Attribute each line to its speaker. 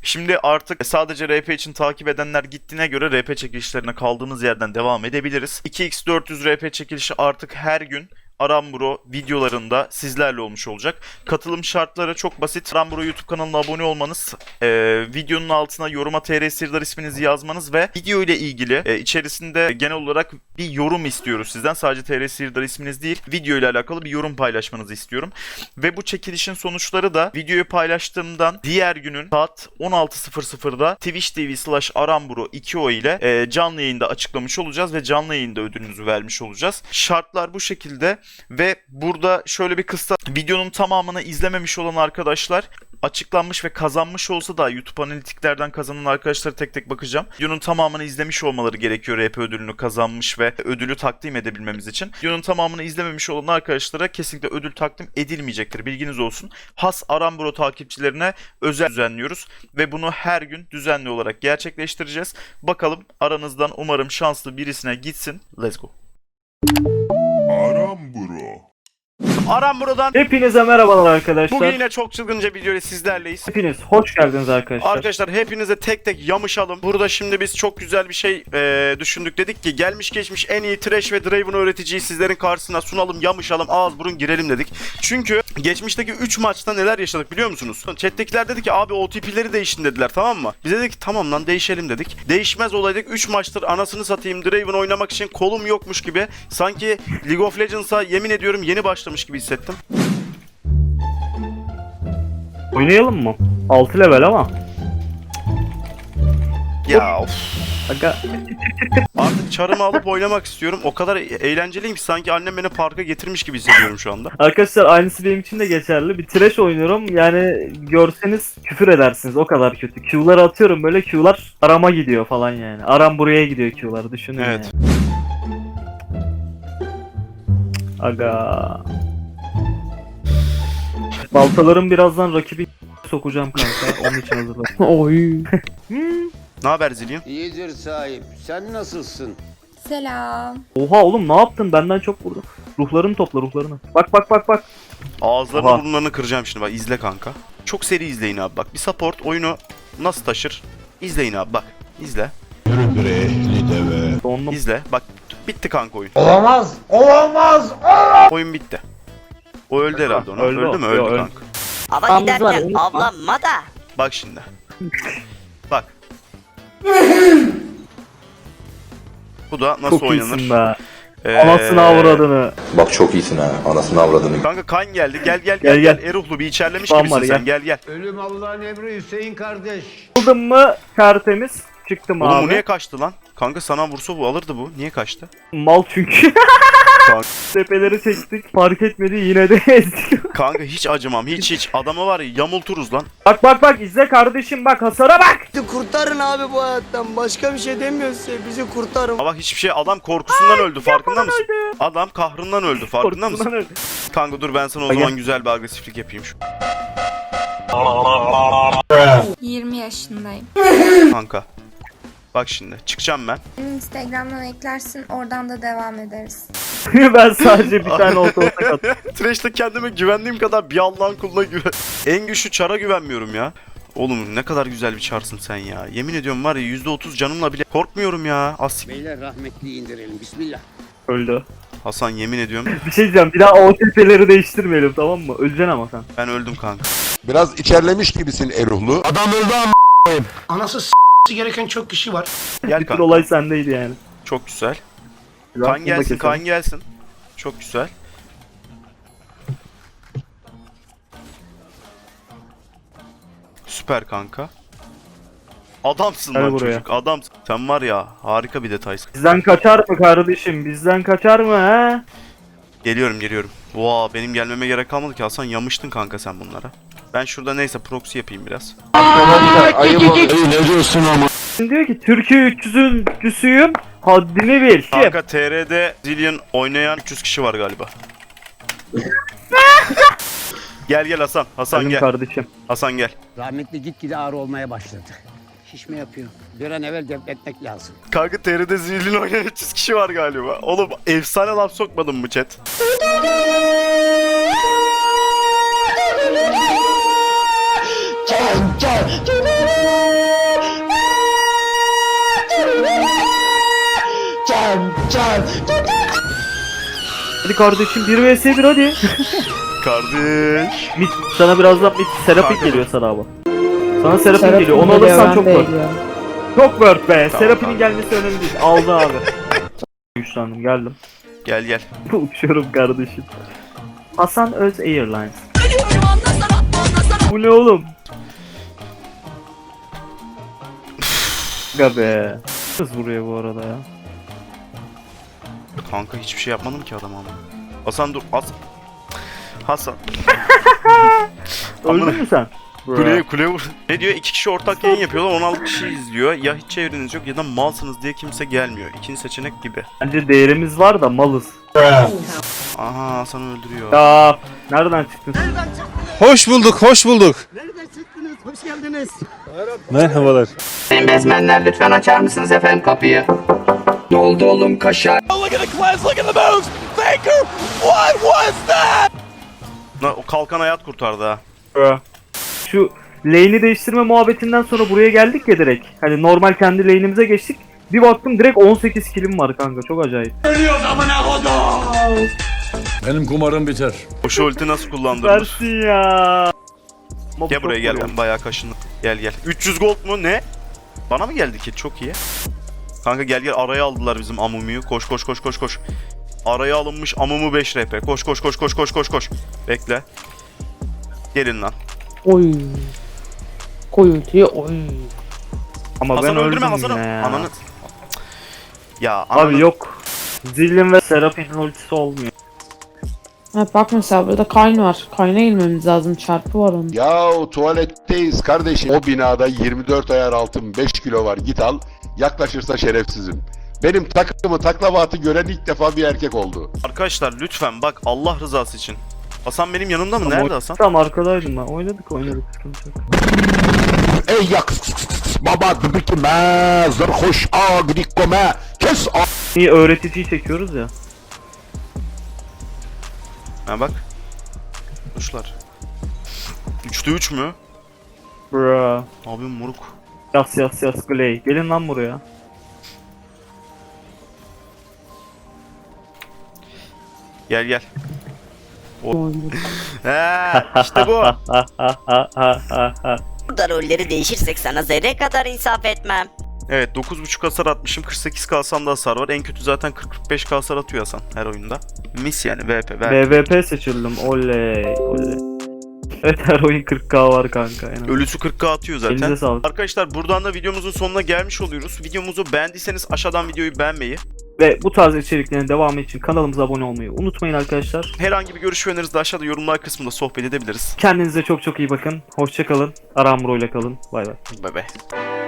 Speaker 1: Şimdi artık sadece RP için takip edenler gittiğine göre RP çekilişlerine kaldığımız yerden devam edebiliriz. 2x400 RP çekilişi artık her gün Aramburo videolarında sizlerle olmuş olacak. Katılım şartları çok basit. Aramburo YouTube kanalına abone olmanız, videonun altına yoruma TR Sirdar isminizi yazmanız ve video ile ilgili içerisinde genel olarak bir yorum istiyoruz sizden. Sadece TR Sirdar isminiz değil, video ile alakalı bir yorum paylaşmanızı istiyorum. Ve bu çekilişin sonuçları da videoyu paylaştığımdan diğer günün saat 16.00'da Twitch TV/Aramburo 2o ile canlı yayında açıklamış olacağız ve canlı yayında ödülünüzü vermiş olacağız. Şartlar bu şekilde. Ve burada şöyle bir kısa, videonun tamamını izlememiş olan arkadaşlar açıklanmış ve kazanmış olsa da YouTube analitiklerden kazanan arkadaşlara tek tek bakacağım. Videonun tamamını izlemiş olmaları gerekiyor RP ödülünü kazanmış ve ödülü takdim edebilmemiz için. Videonun tamamını izlememiş olan arkadaşlara kesinlikle ödül takdim edilmeyecektir. Bilginiz olsun. Has Aramburo takipçilerine özel düzenliyoruz ve bunu her gün düzenli olarak gerçekleştireceğiz. Bakalım aranızdan umarım şanslı birisine gitsin. Let's go. Aramburo'dan
Speaker 2: Hepinize merhabalar arkadaşlar.
Speaker 1: bugün yine çok çılgınca bir videoyla sizlerleyiz.
Speaker 2: Hepiniz hoş geldiniz arkadaşlar.
Speaker 1: Arkadaşlar hepinize tek tek yamışalım. Burada şimdi biz çok güzel bir şey düşündük. Dedik ki gelmiş geçmiş en iyi Thresh ve Draven öğreticiyi sizlerin karşısına sunalım, yamışalım, ağız burun girelim dedik. Çünkü geçmişteki 3 maçta neler yaşadık biliyor musunuz? Chat'tekiler dedi ki abi OTP'leri değiştin dediler, tamam mı? Biz dedik tamam lan değişelim dedik. Değişmez olaydık. 3 maçtır anasını satayım Draven oynamak için kolum yokmuş gibi. Sanki League of Legends'a yemin ediyorum yeni başlamış gibi hissettim.
Speaker 2: Oynayalım mı? 6 level ama.
Speaker 1: Ya of.
Speaker 2: Aga.
Speaker 1: Artık çarımı alıp oynamak istiyorum. O kadar eğlenceliyim ki sanki annem beni parka getirmiş gibi hissediyorum şu anda.
Speaker 2: Arkadaşlar aynısı benim için de geçerli. Bir trash oynuyorum. Yani görseniz küfür edersiniz. O kadar kötü. Q'ları atıyorum böyle, Q'lar arama gidiyor falan yani. Aram buraya gidiyor Q'ları, düşünün
Speaker 1: Evet.
Speaker 2: yani. Aga. Baltalarım birazdan rakibi sokacağım kanka. Onun için hazırlan. Oy.
Speaker 1: Ne haber Zillion?
Speaker 3: İyidir sahip. Sen nasılsın?
Speaker 4: Selam.
Speaker 2: Oha oğlum, ne yaptın? Benden çok vurdu. Ruhlarını topla, ruhlarını. Bak bak bak bak.
Speaker 1: Ağızlarını
Speaker 2: Oha.
Speaker 1: burunlarını kıracağım şimdi, bak izle kanka. Çok seri izleyin abi, bak bir support oyunu nasıl taşır? İzleyin abi, bak izle.
Speaker 2: Donlu.
Speaker 1: İzle bak, bitti kanka oyun.
Speaker 3: Olamaz! Olamaz!
Speaker 1: Oyun bitti. O öldü herhalde onu.
Speaker 2: Öldü
Speaker 1: Öldü
Speaker 2: o.
Speaker 1: mü? Öldü
Speaker 2: Yo, öldü.
Speaker 1: kanka.
Speaker 5: Hava
Speaker 2: Yalnız var,
Speaker 5: giderken
Speaker 2: unutma.
Speaker 5: avlanma da.
Speaker 1: Bak şimdi. Bak. Bu da nasıl
Speaker 2: Çok
Speaker 1: oynanır?
Speaker 2: iyisin be. Anasını avradını.
Speaker 6: Bak çok iyisin ha. Anasını avradını.
Speaker 1: Kanka kan geldi. Gel gel
Speaker 2: Gel,
Speaker 1: gel.
Speaker 2: gel.
Speaker 1: Eruhlu bir içerlemiş
Speaker 2: Tamam,
Speaker 1: gibisin
Speaker 2: var,
Speaker 1: sen. Gel gel.
Speaker 3: Ölüm Allah'ın emri Hüseyin kardeş.
Speaker 2: Aldın mı tertemiz. Çıktım
Speaker 1: Oğlum bu
Speaker 2: abi.
Speaker 1: niye kaçtı lan? Kanka sana vursa bu alırdı bu. Niye kaçtı?
Speaker 2: Mal çünkü.
Speaker 1: Kanka.
Speaker 2: Tepeleri çektik. Fark etmedi, yine de ezdik.
Speaker 1: Kanka hiç acımam. Hiç. Adamı var ya yamulturuz lan.
Speaker 2: Bak bak bak, izle kardeşim, bak hasara bak.
Speaker 7: Bizi kurtarın abi bu hayattan. Başka bir şey demiyoruz size. Bizi kurtarın.
Speaker 1: Ama bak hiçbir şey, adam korkusundan öldü, farkında mısın? Adam kahrından öldü, farkında mısın?
Speaker 2: Korkusundan öldü.
Speaker 1: Kanka dur ben sana o
Speaker 2: Gel.
Speaker 1: zaman güzel bir agresiflik yapayım şu.
Speaker 4: 20 yaşındayım.
Speaker 1: Kanka. Bak şimdi çıkacağım ben.
Speaker 4: Beni Instagram'dan eklersin, oradan da devam ederiz.
Speaker 2: Ben sadece bir tane orta attım.
Speaker 1: Thresh'te kendime güvendiğim kadar bir Allah'ın kuluna güven. En güçlü çara güvenmiyorum ya. Oğlum ne kadar güzel bir çarsın sen ya. Yemin ediyorum var ya %30 canımla bile korkmuyorum ya. Asik.
Speaker 3: Beyler rahmetli indirelim. Bismillah.
Speaker 2: Öldü.
Speaker 1: Hasan yemin ediyorum
Speaker 2: Bir şey diyeceğim, bir daha o tepeleri değiştirmeyelim, tamam mı? Öleceksin ama sen.
Speaker 1: ben öldüm kanka.
Speaker 6: Biraz içerlemiş gibisin Eruhlu.
Speaker 8: Anası gereken çok kişi var.
Speaker 1: Gel
Speaker 2: Bir tür
Speaker 1: kanka.
Speaker 2: olay sendeydi yani.
Speaker 1: Çok güzel.
Speaker 2: Biraz
Speaker 1: Kan
Speaker 2: bunu da
Speaker 1: gelsin,
Speaker 2: keselim.
Speaker 1: kan gelsin. Çok güzel. Süper kanka. Adamsın
Speaker 2: Gel
Speaker 1: lan
Speaker 2: buraya.
Speaker 1: çocuk, adamsın. Sen var ya harika bir detaysın.
Speaker 2: Bizden kaçar mı kardeşim? Bizden kaçar mı he?
Speaker 1: Geliyorum. Vaa benim gelmeme gerek kalmadı ki Hasan, yamıştın kanka sen bunlara. Ben şurada neyse proxy yapayım biraz.
Speaker 2: Diyor ki Türkiye 300'üncüsüyüm, haddini bil.
Speaker 1: Kanka TR'de Zillion oynayan 300 kişi var galiba. Gel Hasan. Hasan
Speaker 2: Benim
Speaker 1: gel.
Speaker 2: kardeşim.
Speaker 1: Hasan gel.
Speaker 3: Rahmetli gitgide ağrı olmaya başladı. Şişme yapıyor. Bir an evvel defnetmek lazım.
Speaker 1: Kanka TR'de Zillion oynayan 300 kişi var galiba. Oğlum efsane laf sokmadın mı chat?
Speaker 2: Hadi kardeşim 1 vs 1 hadi.
Speaker 1: Kardeş.
Speaker 2: Mid, sana birazdan mid Serapik
Speaker 1: Kanka.
Speaker 2: geliyor sana abi. Sana Serapik
Speaker 5: Serap'in
Speaker 2: geliyor. Onu
Speaker 5: geliyor,
Speaker 2: alırsan
Speaker 5: ben
Speaker 2: çok
Speaker 5: de
Speaker 2: word.
Speaker 5: geliyorum.
Speaker 2: Çok word be.
Speaker 1: Tamam,
Speaker 2: Serap'in
Speaker 1: tamam.
Speaker 2: gelmesi önemli değil. Aldı abi. Güçlendim geldim.
Speaker 1: Gel gel.
Speaker 2: Uçuyorum kardeşim. Hasan Öz Airlines. Bu ne oğlum? Ga be. Kız vuruyor bu arada ya.
Speaker 1: Kanka hiçbir şey yapmadım ki adama ama. Hasan dur. Hasan.
Speaker 2: Öldün mü sen?
Speaker 1: Kuleye vur. Ne diyor? 2 kişi ortak yayın yapıyorlar. 16 kişi izliyor. Ya hiç çevreniz yok ya da malsınız diye kimse gelmiyor. İkinci seçenek gibi.
Speaker 2: Bence değerimiz var da malız.
Speaker 1: Aha Hasan'ı öldürüyor.
Speaker 2: Ya nereden çıktın?
Speaker 9: Hoş bulduk, hoş bulduk.
Speaker 3: Nereden çıktınız? Hoş geldiniz.
Speaker 9: Merhabalar.
Speaker 10: Bezmenler lütfen açar mısınız efendim kapıyı? Ne oldu oğlum kaşar?
Speaker 1: O kalkan hayat kurtardı ha.
Speaker 2: Şu lane'i değiştirme muhabbetinden sonra buraya geldik ya direkt. Hani normal kendi lane'imize geçtik. Bir baktım direkt 18 killim var kanka. Çok acayip.
Speaker 9: Benim kumarım biter.
Speaker 1: O şu ulti nasıl kullandırılır?
Speaker 2: Versin ya. Ama
Speaker 1: Gel
Speaker 2: bu
Speaker 1: buraya
Speaker 2: çok
Speaker 1: gel,
Speaker 2: vuruyor.
Speaker 1: ben bayağı kaşındım. Gel gel. 300 gold mu ne? Bana mı geldi ki? Çok iyi. Kanka gel gel, araya aldılar bizim Amumu'yu. Koş koş koş koş koş. Araya alınmış Amumu 5 RP. Koş koş koş koş koş koş koş. Bekle. Gelin lan.
Speaker 5: Oy. Koy ultiyi oy.
Speaker 2: Ama ben
Speaker 1: Hasan'ı öldürme
Speaker 2: öldüm
Speaker 1: Hasan'ı.
Speaker 2: yine ya.
Speaker 1: Ananı. Ya ananı.
Speaker 2: Abi yok. Zillin ve Seraph'in ultisi olmuyor.
Speaker 5: Ha, bak mesela burada Kayn var. Kayn'a ilmemiz lazım. Çarpı var onun.
Speaker 6: Yahu tuvaletteyiz kardeşim. O binada 24 ayar altın 5 kilo var, git al. Yaklaşırsa şerefsizim. Benim takımı taklavatı gören ilk defa bir erkek oldu.
Speaker 1: Arkadaşlar lütfen bak, Allah rızası için. Hasan benim yanımda mı? Nerede Hasan?
Speaker 2: Tam arkadaydım ben. Oynadık sıkıntı yok.
Speaker 6: Ey yak baba dıbıkime zırhoş agrikome kes
Speaker 2: İyi öğreticiyi çekiyoruz ya.
Speaker 1: Ha bak. Kuşlar. 3'te 3 mü?
Speaker 2: Bra.
Speaker 1: Abi moruk.
Speaker 2: Yas Gley. Gelin lan buraya.
Speaker 1: Gel gel.
Speaker 5: Oy.
Speaker 1: He işte bu.
Speaker 11: Burada rolleri değişirsek sana zerre kadar insaf etmem.
Speaker 1: Evet 9.5 hasar atmışım. 48 kalsam da hasar var. En kötü zaten 40-45 hasar atıyor Hasan her oyunda. Mis yani VP.
Speaker 2: BVP seçildim. Oley. Evet her oyun 40k var kanka. En az.
Speaker 1: Ölüsü 40k atıyor zaten.
Speaker 2: Elinize sağlık.
Speaker 1: Arkadaşlar buradan da videomuzun sonuna gelmiş oluyoruz. Videomuzu beğendiyseniz aşağıdan videoyu beğenmeyi,
Speaker 2: Ve bu tarz içeriklerin devamı için kanalımıza abone olmayı unutmayın arkadaşlar.
Speaker 1: herhangi bir görüş ve önerinizi de aşağıda yorumlar kısmında sohbet edebiliriz.
Speaker 2: Kendinize çok çok iyi bakın. Hoşça kalın. Aramro ile kalın. Bay bay.
Speaker 1: Bay bay.